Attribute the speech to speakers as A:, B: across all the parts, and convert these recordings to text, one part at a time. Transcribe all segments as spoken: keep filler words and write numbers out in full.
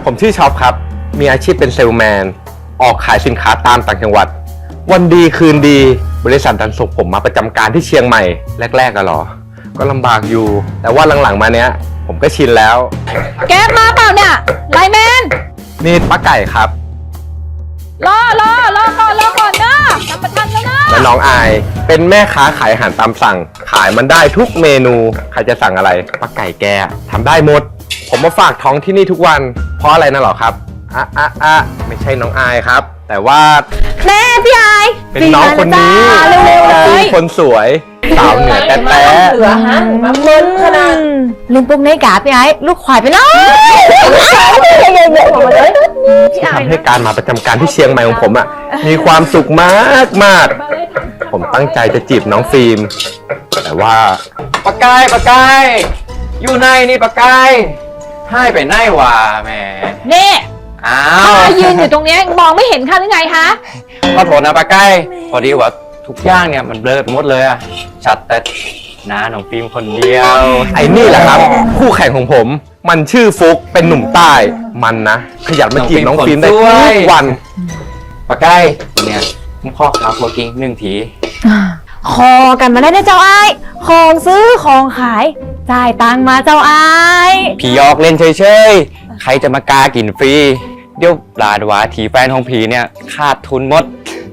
A: ผมชื่อช็อปครับมีอาชีพเป็นเซลแมนออกขายสินค้าตามต่างจังหวัดวันดีคืนดีบริษัทดันส่งผมมาประจำการที่เชียงใหม่แรกๆอะหรอก็ลำบากอยู่แต่ว่าหลังๆมาเนี้ยผมก็ชินแล้ว
B: แก๊ปมาเปล่าเนี่ยไลน์แมน
A: นี่ป้าไก่ครับ
B: รอรอรอก่อนรอก่อนนะทำประทันแล้วนะ
A: และน้องอายเป็นแม่ค้าขายอาหารตามสั่งขายมันได้ทุกเมนูใครจะสั่งอะไรป้าไก่แกทำได้หมดผมมาฝากท้องที่นี่ทุกวันเพราะอะไรนะหรอครับอ่ะอ่ะอ่ะไม่ใช่น้องอายครับแต่ว่า
B: แม่พี่อาย
A: เป็นน้องคนนี้คนสวยสาวเหนือแต่แต่
B: เหลือฮะมาเบิ้ลขนาดลืมปุ๊กในกาพี่ไอ้ลูกควายไปแล้ว
A: ที่ทำให้การมาประจำการที่เชียงใหม่ของผมอ่ะมีความสุขมากมากผมตั้งใจจะจีบน้องฟิล์มแต่ว่า
C: ปากกายปากกายอยู่ในนี่ปากกายให้ไปไหนวะแม่
B: นี่
C: อ้าว
B: ยืนอยู่ตรงนี้มองไม่เห็นค่ะหรือไงคะ
C: ขอโทษนะปากกายพอดีว่าทุกอย่างเนี่ยมันเบลอไปหมดเลยอะชัดแต่น้าน้องฟิล์มคนเดียว
A: ไอ้นี่แหละครับคู่แข่งของผมมันชื่อฟุกเป็นหนุ่มใต้มันนะขยันมาจีบน้องฟิล์มได้ทุกวัน
C: ปากกายเนี่ยผมขอขาโคกิ้งหนึ่งที
B: คอกันมาได้นะเจ้าไอ้ของซื้อของขายจ่ายตังมาเจ้าไอ้
C: ผียอกเล่นเฉยๆใครจะมากากินฟรีเดี๋ยวปลาดวาทีแฟนของผีเนี่ยขาดทุนหมด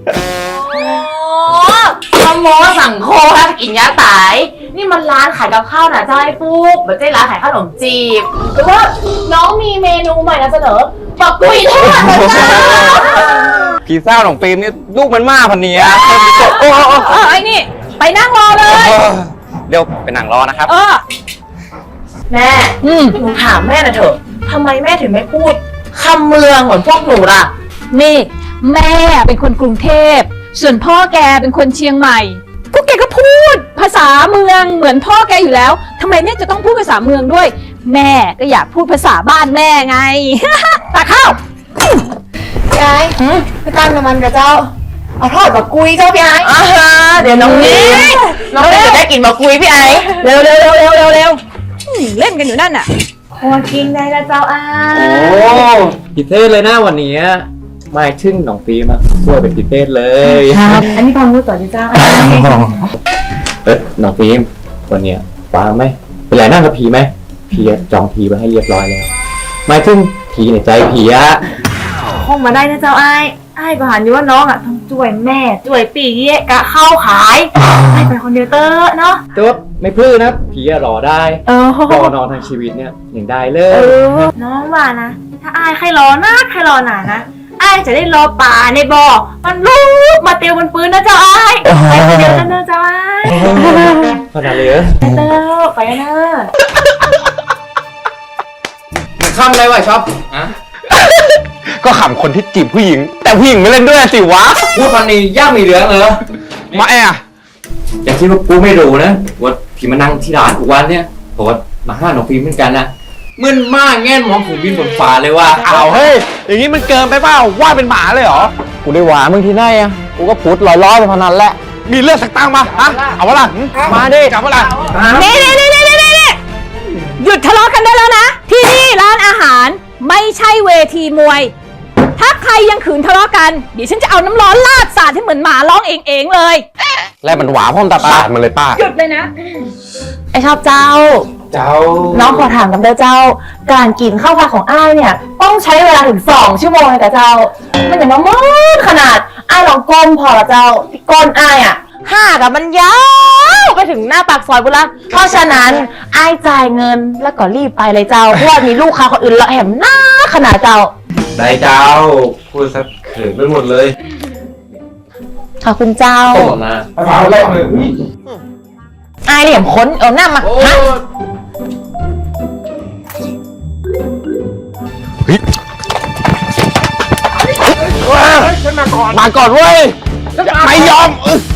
D: ขโมยสั่งโคแล้วกินยาตายนี่มันร้านขายกับข้าวนะเจ้าไอ้ปุ๊กไม่ใช่ร้านขายขนมจีบหรือว่าน้องมีเมนูใหม่นำเสนอปักกุยทอดนะจ๊ะ
C: ผีเศร้าของฟิล์มนี่ลูกมันมากพันนี้
B: โอ้โอ้ไอ้นี่ไปนั่งรอเลย
C: เดี๋ยวไปนั่งรอนะครับ
B: เออ
D: แม่หนูถามแม่นะเถอะทำไมแม่ถึงไม่พูดคำเมืองเหมือนพวกหนูล่ะ
B: นี่แม่เป็นคนกรุงเทพส่วนพ่อแกเป็นคนเชียงใหม่พวกแกก็พูดภาษาเมืองเหมือนพ่อแกอยู่แล้วทำไมแม่จะต้องพูดภาษาเมืองด้วยแม่ก็อยากพูดภาษาบ้านแม่ไง ตาข้าวย
D: ายพี่ตั้งน้ำมันกับเจ้าเอาทอดกับกุยเจ้าพี่ไอ้เดี๋ยวน้องนี้น้องจะได้กินกับกุยพี่ไอ้
B: เร็วเร็วเร็วเร็วเร็วเร็วเล่นกันอยู่นั่นน่ะ
D: พอกินได้แล้วเจ้าไอ้
C: โอ้พิเศษเลยนะวันนี้ไม่ชึ่งน้องฟิล์มอะสวยเป็นพิเศษเลย
D: ครับอันนี้ความรู้ต่อที่เจ้า
C: เออน้องฟิล์มวันนี้ว้างไหมเป็นไรนั่งกับผีไหมผีจองผีไว้ให้เรียบร้อยแล้วไม่ชึ่งผีในใจผีอะ
D: คงมาได้นะเจ้าไอ้ไอ้ก็หันอยู่ว่าน้องอะต้องช่วยแม่ช่วยปีเยะกะเข้าขายไอ้เป็นคนเดียวเตอร์เนาะ
C: ตัวไม่พื้นนะผีอะรอได้รอนอนทางชีวิตเนี่ยอย่างได้เลย
D: น้องว่านะถ้าไอ้ใครรอนะใครรอหนานะไอ้จะได้รอป่าในบ่อมันลูกมาเตียวบนปืนนะเจ้าไอ้ไปคนเดียวกันเนอะเจ้าไอ้
C: ขนาดเลย
D: ไปเตอร์ไปเนอะ
C: มันข้ามอะไรวะชอบอะ
A: ก็ขำคนที่จีบผู้หญิงแต่ผู้หญิงไม่เล่นด้วยสิวะ
C: พูดพันนี้ย่ามีเหลืองเหรอ
A: มาแอะ
C: อย่างที่ว่ากูไม่รู้นะว่าพี่มานั่งที่ร้านกูวันเนี่ยผมว่ามาห้าน้องฟิล์มเหมือนกันนะมึนมากแง่นมองผมบินบนฟ้าเลยว่า
A: เอาเฮ้ยอย่างนี้มันเกินไปเปล่าว่าเป็นหมาเลยเหรอ
C: กูได้หวามึงที่ไหนอ่ะกูก็พูดลอยๆไปพนันแหละ
A: มีเลือดสักตั้งมาฮะเอาวะล่ะ
C: มาดิ
A: จับวะล่ะ
B: นี่นี่นี่นี่นี่หยุดทะเลาะกันได้แล้วนะที่นี่ร้านอาหารไม่ใช่เวทีมวยถ้าใครยังขืนทะเลาะกันเดี๋ยวฉันจะเอาน้ำร้อนลาดสาดให้เหมือนหมาร้องเองเองเลย
A: แล้วมันหวาพ่อมตาตาดมันเลยป้า
B: หยุดเลยนะ
D: ไอชอบเจ้า
C: เจ้า
D: น้องขอถามกันเด้อเจ้าการกินข้าวผัดของอ้ายเนี่ยต้องใช้เวลาถึงสองชั่วโมงเลยแต่เจ้ามันอย่างมันมืดขนาดอ้ายลองก้มพอละเจ้าที่ก้นอ้ายอ่ะห้ากับมันยาวไปถึงหน้าปากซอยบุรีเพราะฉะนั้นอ้ายจ่ายเงินแล้วก็รีบไปเลยเจ้าเพราะว่ามีลูกค้าคนอื่นละแหมหน้าขนาดเจ้า
C: ได้เจ้าพูดซะเขินไปหมดเลย
D: ขอบคุณเจ้า
C: ตบมาเอาแรกเลย
D: ไอเหลี่ยมค้นเอาหน้ามาฮะ
A: มาก่อนมาก่อนเว้ยไม่ยอม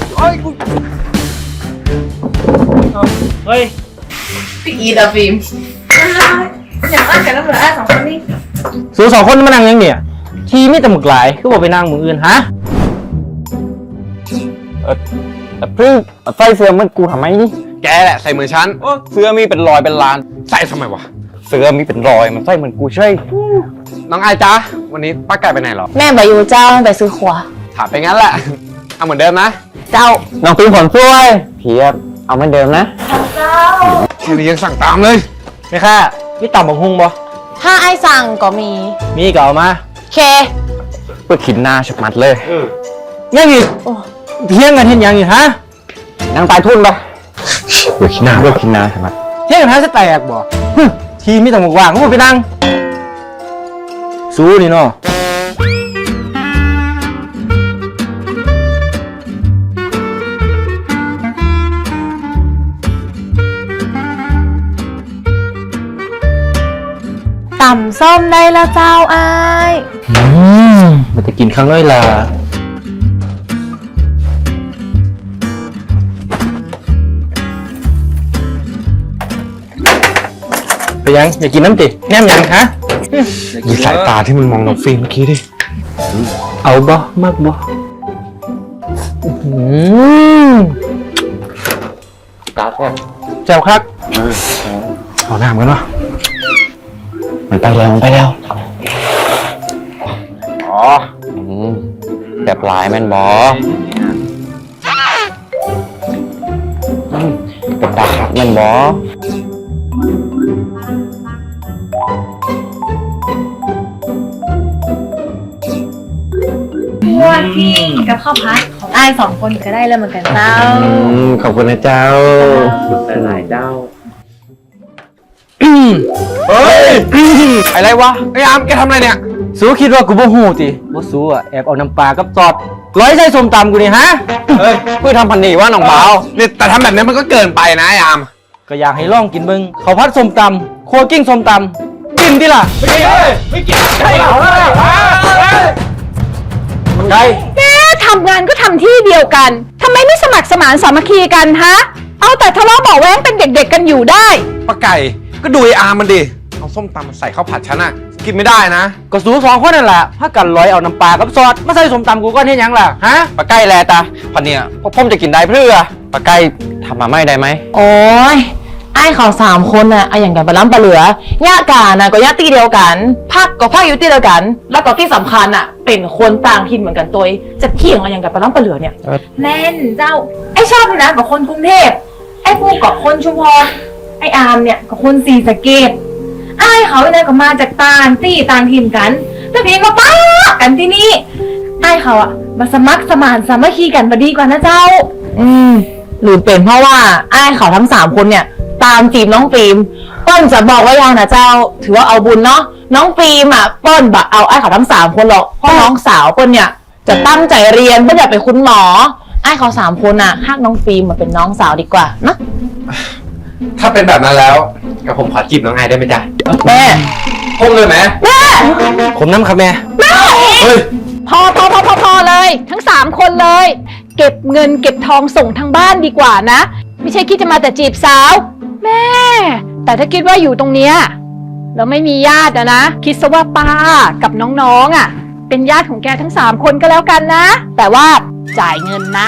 C: เฮ้ย
D: พี่อีดาฟิล์มอย่างอ้ากันแล้วเหรออ้าสองคนนี้
C: สูสองคนมานั่งยังเนี่ยทีไม่แต่หมึกหลายคือบอกไปนั่งมืออื่นฮะเออแต่เพิ่งใส่เสื้อมันกูทำไมนี่
A: แกแหละใส่มือฉัน
C: เสื้อมีเป็นรอยเป็นลาน
A: ใส่ทำไมวะ
C: เฟสื้อมีเป็นรอยมันใส่เหมือนกูใช่
A: น้องไอจ๊ะวันนี้ป้าไก่ไปไหนหรอ
D: แม่บายูเจ้าไปซื้อขวา
A: ถามไปงั้นแหละ เอาเหมือนเดิมนะ
D: เจ้า
C: น้องปีนผลช่วยเพียบเอาเหมือนเดิมนะ
A: แค่นี้ยังสั่งตามเลย
C: ไม่ค่ะพี่ต่ำบักฮุงบ่
D: ถ้าไอ้สั่งก็มี
C: มีก็เอามา
D: เค
C: เพื่อขินหน้าฉับมัดเลยยังอีก
D: โอ้
C: เที่ยงกันเห็นยังอีกฮะนางตายทุนปะเพื่อขินหน้าเพื่อขินหน้าฉับมัดเที่ยงกันฮะจะแตกบ่ฮึทีมีแต่หมวกว่างก็ไปนั่งสู้นี่เนาะ
D: ต่ำส้มได้แล้วเจ้าไอ้าย
C: อืมมันจะกินข้างน้อยล่ะไปยังอยากกินน้ำติแนมยังฮะ
A: ดูสายตาที่มันมองน้องฟิล์มเมื่อกี้ดิ
C: เอาบ่มากบ่อืมตาแซ่บแซ่บครับ
A: เอาหน้ามันวะ
C: มันไปแล้วมันไปแล้วอ๋อแบบลายแม่นบอเป็นตาครับแม่นบอ
D: พวกที่กับข้าวพัดของไอ้ายสองคนก็ได้แล้วเหมือนกันเจ้า
C: ขอบคุณนะเจ้าหลายเจ้า
A: เฮ้ยอะไรวะไอ้อามแกทำอะไรเนี่ย
C: สู้คิดว่ากูบ่หูติบ่สู้อ่ะแอบเอาน้ำปลากับซอสร้อยใส่ส้มตำกูนี่ฮะ
A: เฮ้ย
C: เพื่อทำพันนี่ว่าน้องเบา
A: นี่แต่ทำแบบนี้มันก็เกินไปนะไอ้อาม
C: ก็อยากให้ลองกินเบิ่งข้าวผัดส้มตำโครัวกิ้งส้มตำกินดิล่ะไม่กินไม่กินใช่เอาเลยมันไง
B: แม่ทำงานก็ทำที่เดียวกันทำไมไม่สมัครสมานสามัคคีกันฮะ เอาแต่ทะเลาะเบาะแว้งเป็นเด็กๆกันอยู่ได้
A: ป้าไก่ก็ดูไอ้อามมันดิเอาส้มตำมาใส่ข้าวผัดฉันอะกินไม่ได้นะ
C: ก็สู้สองคนนั่นแหละถ้ากันร้อยเอาน้ำปลากับซอสมาใส่ส้มตำกูก็เห็นยังล่ะฮะปลาไก่แลตาพันเนี่ยพวกผมจะกินได้เพื่อปลาไก่ทำมาไม่ได้ไหม
D: โอ้ยไอ้ายเขาสามคนน่ะไอ้อย่างกันไปล้ำปลาเหลือย่ากาน่ะก็ย่าตีเดียวกันพักก็พักอยู่ตีเดียวกัน แล้วก็ที่สำคัญน่ะ เป็นคนต่างถิ่นเหมือนกันตัวเองจะเที่ยงอะไรอย่างกันไปล้ำปลาเหลือเนี่ยแม่นเจ้า ไอ้ชอบนะกับคนกรุงเทพไอ้พวกกับคนชุมพรไอ้อามเนี่ยกับคนศรีสะเกษไอ้ายเขาเนี่ยก็มาจากต่างที่ต่างถิ่นกันแต่เพียงก็ป้ากันที่นี่ไอ้ายเขาอะมาสมัครสมานสามัคคีกันมาดีกว่านะเจ้า อืมหรือเป็นเพราะว่าไอ้ายเขาทั้งสามคนเนี่ย ตามจีบน้องฟิล์มเปิ้ลจะบอกว่ายังนะเจ้า ถือว่าเอาบุญเนาะน้องฟิล์มอ่ะเปิ้ลบะเอาไอ้เขาทั้งสามคนหรอกเพราะน้องสาวเปิ้ลเนี่ยจะตั้งใจเรียนเปิ้ลอยากเป็นคุณหมอไอ้เขาสามคนอ่ะฮักน้องฟิล์มมาเป็นน้องสาวดีกว่านะ
A: ถ้าเป็นแบบนั้นแล้วกับผมขอจีบน้องไอได้ไหมจ๊ะ
D: แม่
A: พุ่งเลยไหม
D: แม่
C: ผมน้ำครับแม่
A: เฮ้ย
B: พอพอพอพอพอเลย ทั้งสามคนเลย เก็บเงินเก็บทองส่งทางบ้านดีกว่านะ ไม่ใช่คิดจะมาแต่จีบสาว แม่ แต่ถ้าคิดว่าอยู่ตรงเนี้ยแล้วไม่มีญาติอะนะ คิดซะว่าป้ากับน้องๆอะเป็นญาติของแกทั้งสามคนก็แล้วกันนะ แต่ว่าจ่ายเงินนะ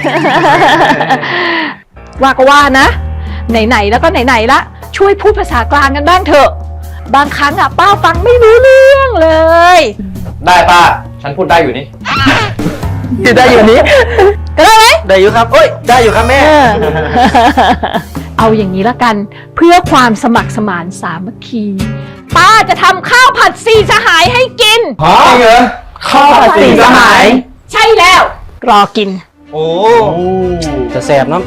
B: ว่าก็ว่านะ ไหนๆแล้วก็ไหนๆละช่วยพูดภาษากลางกันบ้างเถอะ บางครั้งอะป้าฟังไม่รู้เรื่องเลย
C: ได้ป้าฉันพูดได้อยู่นี่
B: ได้อยู่นี้ก็ได้ไหม
C: ได้อยู่ครับเอ้ยได้อยู่ครับแม่
B: เออ เอาอย่างนี้ละกัน เพื่อความสมัครสมานสามัคคี ป้าจะทำข้าวผัดสี่สหายให้กิน
A: จริงเหรอ
C: ข้าวผัดสี่สหาย
B: ใช่แล้ว รอกิน
A: โอ้
C: จะแสบเนาะ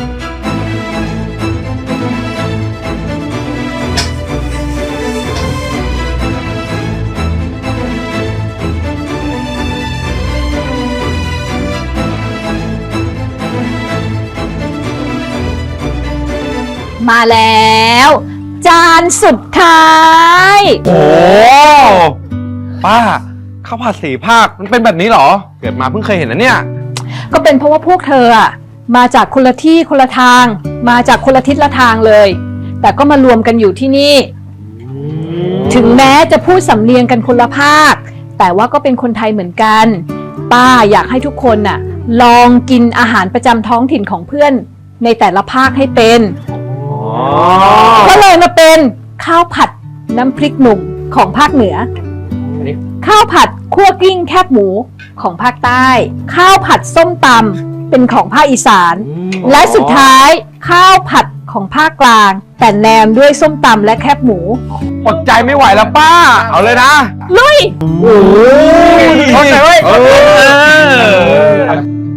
B: มาแล้ว จานสุดท้าย
A: โหป้าข้าวผัดสีภาคมันเป็นแบบนี้เหรอ เกิดมาเพิ่งเคยเห็นนะเนี่ย
B: ก็เป็นเพราะว่าพวกเธออะมาจากคนละที่คนละทาง มาจากคนละทิศละทางเลย แต่ก็มารวมกันอยู่ที่นี่ ถึงแม้จะพูดสำเนียงกันคนละภาค แต่ว่าก็เป็นคนไทยเหมือนกัน ป้าอยากให้ทุกคนน่ะ ลองกินอาหารประจำท้องถิ่นของเพื่อนในแต่ละภาคให้เป็น ก็เลยมาเป็นข้าวผัดน้ำพริกหนุ่มของภาคเหนือ
C: อันนี้
B: ข้าวผัดคั่วกลิ้งแคบหมูของภาคใต้ ข้าวผัดส้มตำเป็นของภาคอีสาน และสุดท้ายข้าวผัดของภาคกลาง แต่แนมด้วยส้มตำและแคบหมู
A: อดใจไม่ไหวแล้วป้า เอาเลยนะ
B: ลุย
A: โอ้ยอดใจไว้เออ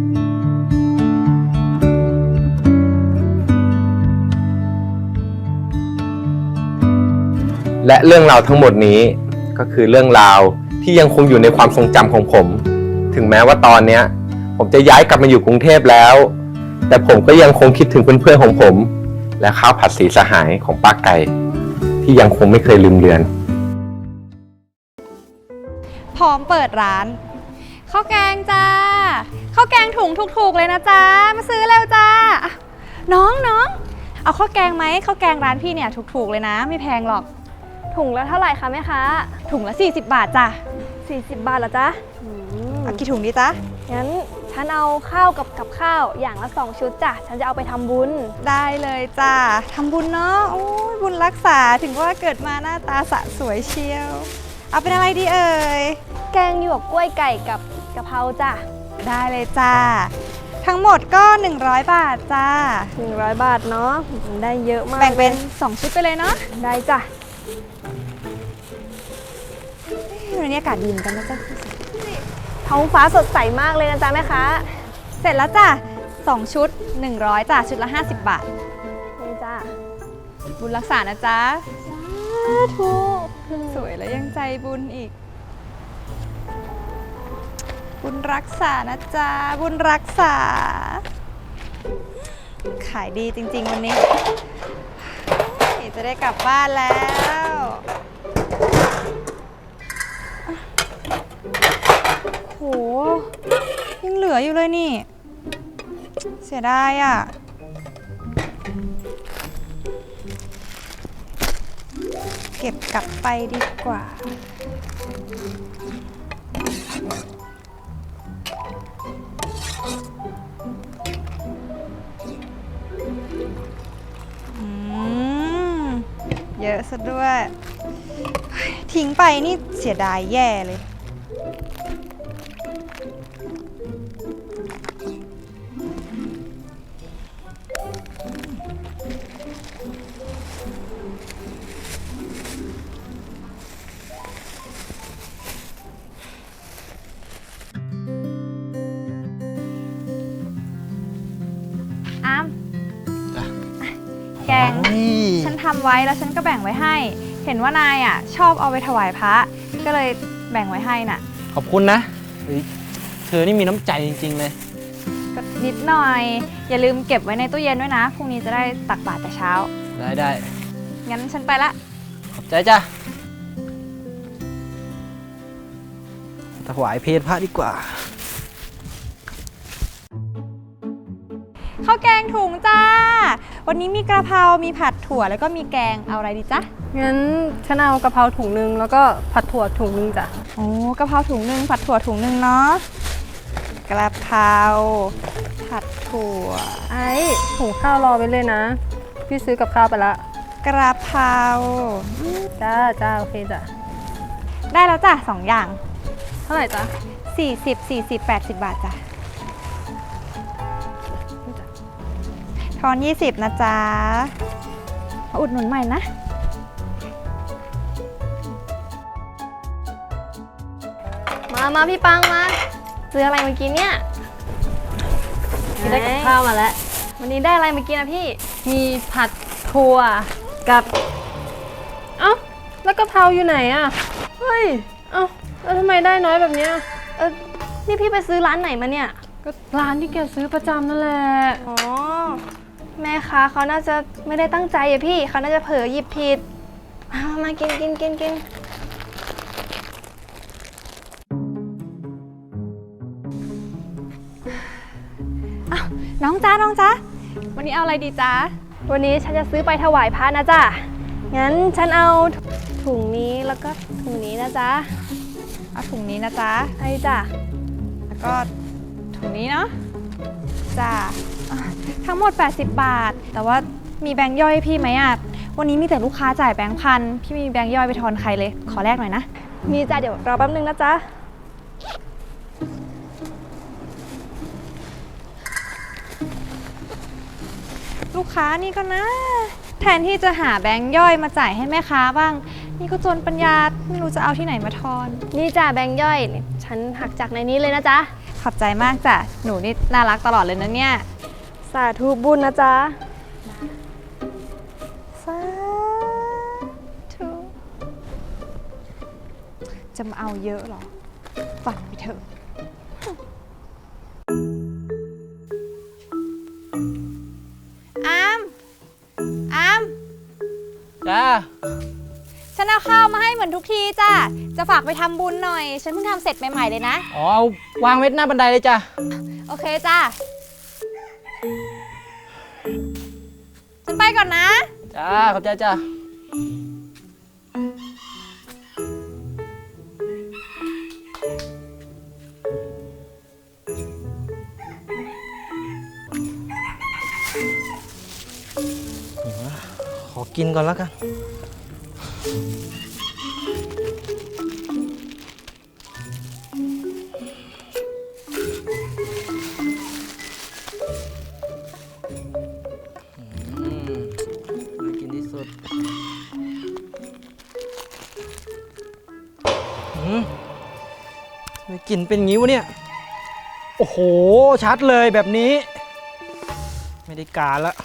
A: และเรื่องราวทั้งหมดนี้ก็คือเรื่องราวที่ยังคงอยู่ในความทรงจำของผม ถึงแม้ว่าตอนเนี้ยผมจะย้ายกลับมาอยู่กรุงเทพแล้ว แต่ผมก็ยังคงคิดถึงเพื่อนๆของผม และข้าวผัดสีสหายของป้าไก่ ที่ยังคงไม่เคยลืมเลือน
E: พร้อมเปิดร้านข้าวแกงจ้าข้าวแกงถุงถูกๆเลยนะจ๊ะมาซื้อเร็วจ้าอ่ะน้องน้องเอาข้าวแกงไหมข้าวแกงร้านพี่เนี่ยถูกๆเลยนะไม่แพงหรอก
F: ถุงละเท่าไหร่คะแม่ค้า
E: ถุงละสี่สิบบาทจ้ะ
F: สี่สิบบาทเหรอจ๊ะอืม
E: เอากี่ถุงดีจ๊ะ
F: งั้นฉันเอาข้าวกับกับข้าวอย่างละสองชุดจ้ะ ฉันจะเอาไปทำบุญ
E: ได้เลยจ้าทำบุญเนาะโอ้ยบุญรักษาถึงว่าเกิดมาหน้าตาสะสวยเชียว เอาเป็นอะไรดีเอ่ย
F: แกงหยวกกล้วยไก่กับกะเพราจ้ะ
E: ได้เลยจ้าทั้งหมดก็หนึ่งร้อยบาทจ้า
F: หนึ่งร้อยบาทเนาะได้เยอะมาก
E: แบ่งเป็น
F: ลย
E: สองชุดไปเลยเนาะ
F: ได้จ้ะ
E: วันนี้อากาศดีเหมือนกันนะจ๊ะ
F: ท้องฟ้าสดใสมากเลยนะจ๊ะแม่ค้า
E: เสร็จแล้วจ้ะสองชุดหนึ่งร้อยจ้ะชุดละห้าสิบบาท
F: นี่จ้ะ
E: บุญรักษานะจ๊ะ
F: สาธุ
E: สวยแล้วยังใจบุญอีก บุญรักษานะจ๊ะ บุญรักษา ขายดีจริงๆวันนี้จะได้กลับบ้านแล้วโหยังเหลืออยู่เลยนี่ เสียดายอ่ะ เก็บกลับไปดีกว่า อืม เยอะซะด้วย ทิ้งไปนี่เสียดายแย่เลย อามแกง ฉันทำไว้แล้วฉันก็แบ่งไว้ให้ เห็นว่านายอ่ะ ชอบเอาไปถวายพระ ก็เลยแบ่งไว้ให้น่ะ
C: ขอบคุณนะเฮ้ยเธอนี่มีน้ำใจจริงๆเลย
E: ก็นิดหน่อย อย่าลืมเก็บไว้ในตู้เย็นด้วยนะ พรุ่งนี้จะได้ตักบาตรแต่เช้า
C: ได้ได้
E: งั้นฉันไปละ
C: ขอบใจจ้ะถวายเพลพระดีกว่า
E: ข้าวแกงถุงจ้า วันนี้มีกระเพรา มีผัดถั่วแล้วก็มีแกง เอาอะไรดีจ๊ะ
G: งั้นฉันเอากะเพราถุงนึงแล้วก็ผัดถั่วถุงนึงจ้ะ
E: โอ้กะเพราถุงหนึ่งผัดถั่วถุงหนึ่งเนาะ กระเพราผัดถั่ว
G: ไอ้ถุงข้าวรอไว้เลยนะ พี่ซื้อกับข้าวไปละ
E: กระเพรา
G: จ้าจ้าโอเคจ้ะ
E: ได้แล้วจ้ะสองอย่าง
G: เท่าไหร่จ้ะ
E: สี่สิบ สี่สิบ แปดสิบบาทจ้ะทอนยี่สิบนะจ๊ะมาอุดหนุนใหม่นะ
F: มามาพี่ปังมา ซื้ออะไรมากินเนี่ย
G: พี่ได้กับข้าวมาแล้ว
F: วันนี้ได้อะไรมากินนะพี่
G: มีผัดถั่วกับ เอ้าแล้วกะเพราอยู่ไหนอ่ะ เฮ้ย เอ้าแล้วทำไมได้น้อยแบบเนี้ย
F: เออนี่พี่ไปซื้อร้านไหนมาเนี่ย
G: ก็ร้านที่แกซื้อประจำนั่นแหละ
F: อ๋อ แม่ค้าเขาน่าจะไม่ได้ตั้งใจอะพี่ เขาน่าจะเผลอหยิบผิด มามามากินกินกินกิน
E: น้องจ้าน้องจ้าวันนี้เอาอะไรดีจ้า
F: วันนี้ฉันจะซื้อไปถวายพระนะจ๊ะ งั้นฉันเอาถุงนี้แล้วก็ถุงนี้นะจ๊ะ
E: เอาถุงนี้นะจ๊ะ
F: ไอ้จ้ะ
E: แล้วก็ถุงนี้เนาะจ้าอ่ะทั้งหมดแปดสิบบาท แต่ว่ามีแบงค์ย่อยให้พี่ไหมอ่ะวันนี้มีแต่ลูกค้าจ่ายแบงค์พันพี่ไม่มีแบงค์ย่อยไปทอนใครเลย ขอแลกหน่อยนะ
F: มีจ้ะเดี๋ยวรอแป๊บนึงนะจ๊ะ
E: ลูกค้านี่ก็นะ แทนที่จะหาแบงค์ย่อยมาจ่ายให้แม่ค้าบ้าง นี่ก็จนปัญญาไม่รู้จะเอาที่ไหนมาทอน
F: นี่จ้ะแบงค์ย่อยนี่ฉันหักจากในนี้เลยนะจ๊ะ
E: ขอบใจมากจ้ะ หนูนี่น่ารักตลอดเลยนะเนี่ย
F: สาธุบุญนะจ๊ะ
E: สาธุจะมาเอาเยอะเหรอ ฝันไปเถอะ อาม อาม
C: จ้า
E: ฉันเอาข้าวมาให้เหมือนทุกทีจ้ะ จะฝากไปทำบุญหน่อย ฉันเพิ่งทำเสร็จใหม่ๆเลยนะ
C: อ๋อเอาวางไว้หน้าบันไดเลยจ้ะ
E: โอเคจ้ะ ฉันไปก่อนนะ
C: จ้า ขอบใจจ้าขอกินก่อนแล้วกัน อืมน่ากินที่สุด อืมทำไมกลิ่นเป็นงี้วะเนี่ย โอ้โห ชัดเลยแบบนี้ ไม่ได้การละ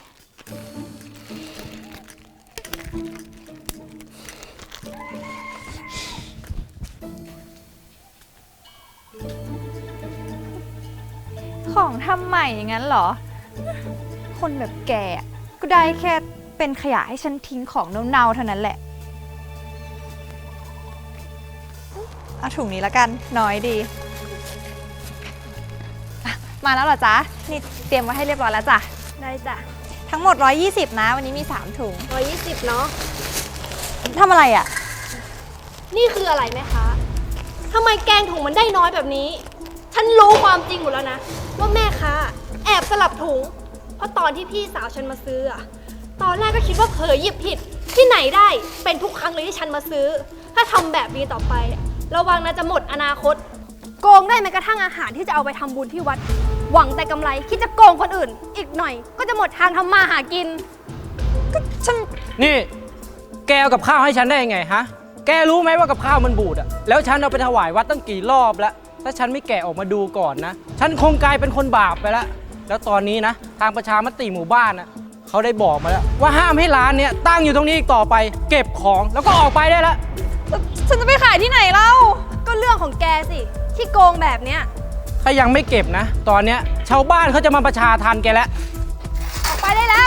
E: ของทำใหม่อย่างนั้นเหรอ คนแบบแกอะก็ได้แค่เป็นขยะให้ฉันทิ้งของเน่าๆเท่านั้นแหละ เอาถุงนี้แล้วกัน น้อยดีอ่ะมาแล้วเหรอจ๊ะ นี่เตรียมไว้ให้เรียบร้อยแล้วจ้ะ
F: ได้จ้ะ
E: ทั้งหมด หนึ่งร้อยยี่สิบ นะ วันนี้มี สาม ถุง
F: ร้อยยี่สิบเนาะ
E: ทำอะไรอ่ะ
F: นี่คืออะไรแม่คะทำไมแกงถุงมันได้น้อยแบบนี้ ฉันรู้ความจริงหมดแล้วนะ ว่าแม่ค้าแอบสลับถุง เพราะตอนที่พี่สาวฉันมาซื้ออะตอนแรกก็คิดว่าเผลอหยิบผิด ที่ไหนได้เป็นทุกครั้งเลยที่ฉันมาซื้อ ถ้าทำแบบนี้ต่อไป ระวังนะจะหมดอนาคต โกงได้แม้กระทั่งอาหารที่จะเอาไปทำบุญที่วัด หวังแต่กำไรคิดจะโกงคนอื่น อีกหน่อยก็จะหมดทางทำมาหากิน
C: นี่ แกเอากับข้าวให้ฉันได้ยังไงฮะ แกรู้ไหมว่ากับข้าวมันบูดอะแล้วฉันเอาไปถวายวัดตั้งกี่รอบแล้ว ถ้าฉันไม่แกะออกมาดูก่อนนะ ฉันคงกลายเป็นคนบาปไปแล้ว แล้วตอนนี้นะ ทางประชามติหมู่บ้านนะเขาได้บอกมาแล้ว ว่าห้ามให้ร้านเนี้ยตั้งอยู่ตรงนี้อีกต่อไป เก็บของแล้วก็ออกไปได้แล้ว
E: ฉันจะไปขายที่ไหนเล่า
F: ก็เรื่องของแกสิที่โกงแบบเนี้ย
C: ถ้ายังไม่เก็บนะ ตอนเนี้ยชาวบ้านเขาจะมาประชาทันแกแล้ว
F: ออกไปได้แล้ว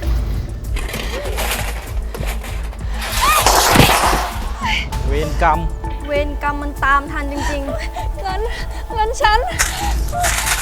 C: เวรกรรม
F: เวรกรรมมันตามทันจริง
E: เงิน เงินฉัน